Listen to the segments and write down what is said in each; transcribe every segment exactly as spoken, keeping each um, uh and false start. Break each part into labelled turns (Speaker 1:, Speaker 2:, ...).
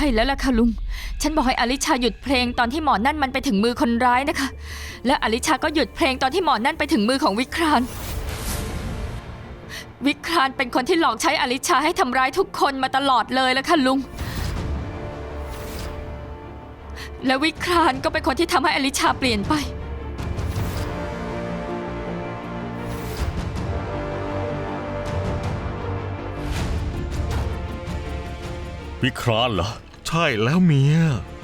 Speaker 1: ช่แล้วล่ะค่ะลุงฉันบอกให้อลิชาหยุดเพลงตอนที่หมอนั่นมันไปถึงมือคนร้ายนะคะและอลิชาก็หยุดเพลงตอนที่หมอนั่นไปถึงมือของวิครานวิครานเป็นคนที่หลอกใช้อลิชาให้ทำร้ายทุกคนมาตลอดเลยล่ะค่ะลุงและวิครานก็เป็นคนที่ทำให้อลิชาเปลี่ยนไป
Speaker 2: วิครานเหรอ
Speaker 3: ใช่แล้วเมีย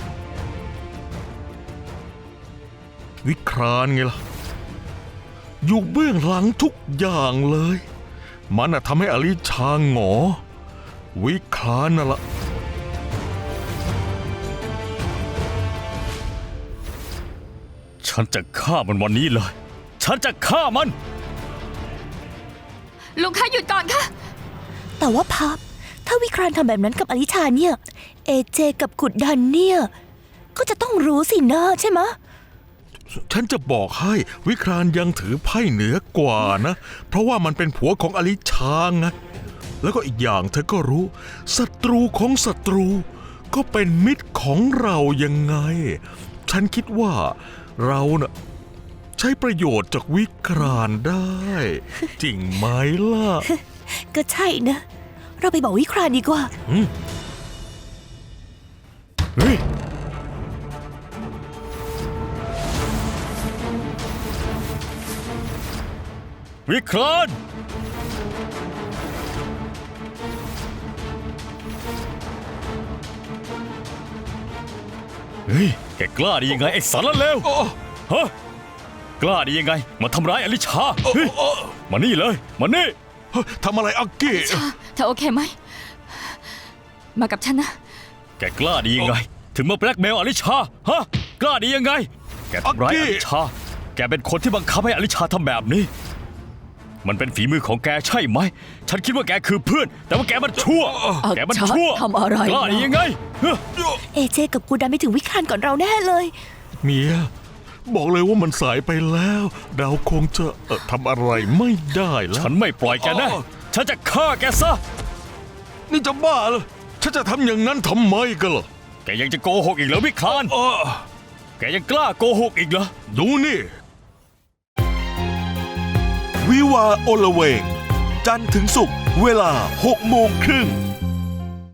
Speaker 3: วิครานไงล่ะอยู่เบื้องหลังทุกอย่างเลยมันน่ะทำให้อลิชาหงอวิครานน่ะละ
Speaker 2: ฉันจะฆ่ามันวันนี้เลยฉันจะฆ่ามัน
Speaker 1: ลุงคะหยุดก่อนค่ะ
Speaker 4: แต่ว่าพับถ้าวิครานทำแบบนั้นกับอลิชาเนี่ยเอเจกับกุดดันเนี่ยก็จะต้องรู้สินะใช่ไหม
Speaker 3: ฉันจะบอกให้วิครานยังถือไพ่เหนือกว่านะเพราะว่ามันเป็นผัวของอลิชาไงแล้วก็อีกอย่างเธอก็รู้ศัตรูของศัตรูก็เป็นมิตรของเรายังไงฉันคิดว่าเราน่ะใช้ประโยชน์จากวิครานได้จริงไหมล่ะ
Speaker 4: ก็ใช่นะเราไปบอกวิครานดีกว่า
Speaker 3: เฮ้ย
Speaker 2: วิครานเฮ้ยแกกล้าดียังไงไอ้สารเลวฮะกล้าดียังไงมาทำร้ายอลิชาเฮ้ยมานี่เลยมานี่
Speaker 3: ทำอะไรอักกี้
Speaker 1: เธอโอเคไหมมากับฉันนะ
Speaker 2: แกกล้าดียังไงถึงมาแบล็กเมลอลิชาฮะกล้าดียังไงแกทำร้ายอลิชาแกเป็นคนที่บังคับให้อลิชาทำแบบนี้มันเป็นฝีมือของแกใช่ไหมฉันคิดว่าแกคือเพื่อนแต่ว่าแกมันชั่วแกมันชั่ว
Speaker 1: ทำอะไร
Speaker 2: กล้าดียังไง
Speaker 4: เอเจกับกูดันไปถึงวิครานก่อนเราแน่เลย
Speaker 3: เมียบอกเลยว่ามันสายไปแล้วเราคงจะเอ่อทำอะไรไม่ได้แล้ว
Speaker 2: ฉันไม่ปล่อยแกแน่ฉันจะฆ่าแกซะ
Speaker 3: นี่จะบ้าเหรอฉันจะทำอย่างนั้นทำไมกันล่ะ
Speaker 2: แกยังจะโกหกอีกเหรอวิครานแกยังกล้าโกหกอีกเหรอ
Speaker 3: ดูนี่วิวาห์อลเวงจันทร์ถึงศุกร์เวลาหกโมงครึ่ง